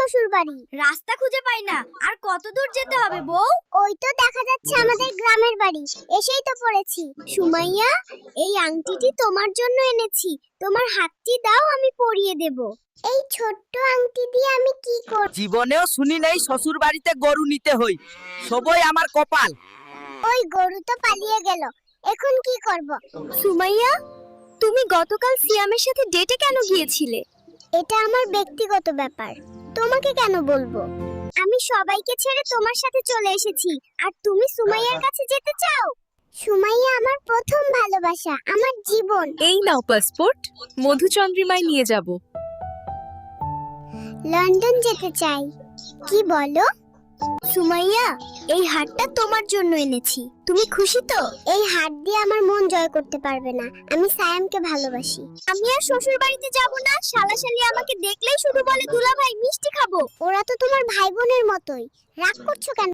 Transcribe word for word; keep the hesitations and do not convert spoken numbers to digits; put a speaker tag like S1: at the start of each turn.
S1: শ্বশুর বাড়ি।
S2: রাস্তা খুঁজে পাই না, আর কত দূর যেতে হবে বউ?
S1: ওই তো দেখা যাচ্ছে আমাদের গ্রামের বাড়ি, এসেই তো পড়েছি। সুমাইয়া, এই আংটিটি তোমার জন্য এনেছি, তোমার হাতটি দাও, আমি পরিয়ে দেব। এই ছোট্ট আংটি দিয়ে আমি কি করব?
S3: জীবনেও শুনি নাই শ্বশুর বাড়িতে গরু নিতে হই, সবই আমার কপাল।
S1: ওই গরু তো পালিয়ে গেল, এখন কি করব?
S2: সুমাইয়া, তুমি গতকাল সিয়ামের সাথে ডেটে কেন গিয়েছিলে?
S1: এটা আমার ব্যক্তিগত ব্যাপার, তোমাকে কেন বলবো? আমি সবাইকে ছেড়ে তোমার সাথে চলে এসেছি, আর তুমি সুমাইয়ার কাছে যেতে চাও? সুমাইয়া আমার প্রথম ভালোবাসা, আমার জীবন।
S4: এই নাও পাসপোর্ট, মধুচন্দ্রিমায় নিয়ে যাব।
S1: লন্ডন যেতে চাই। কি বলো? সুমাইয়া, এই হারটা তোমার জন্য এনেছি, তুমি খুশি তো? এই হার দিয়ে আমার মন জয় করতে পারবে না, আমি সায়ামকে ভালোবাসি। আমি আর শ্বশুর বাড়িতে যাব না, শালাশালি আমাকে দেখলেই শুধু বলে দুলাভাই মিষ্টি খাবো। ওরা তো তোমার ভাই বোনের মতোই, রাগ করছো কেন?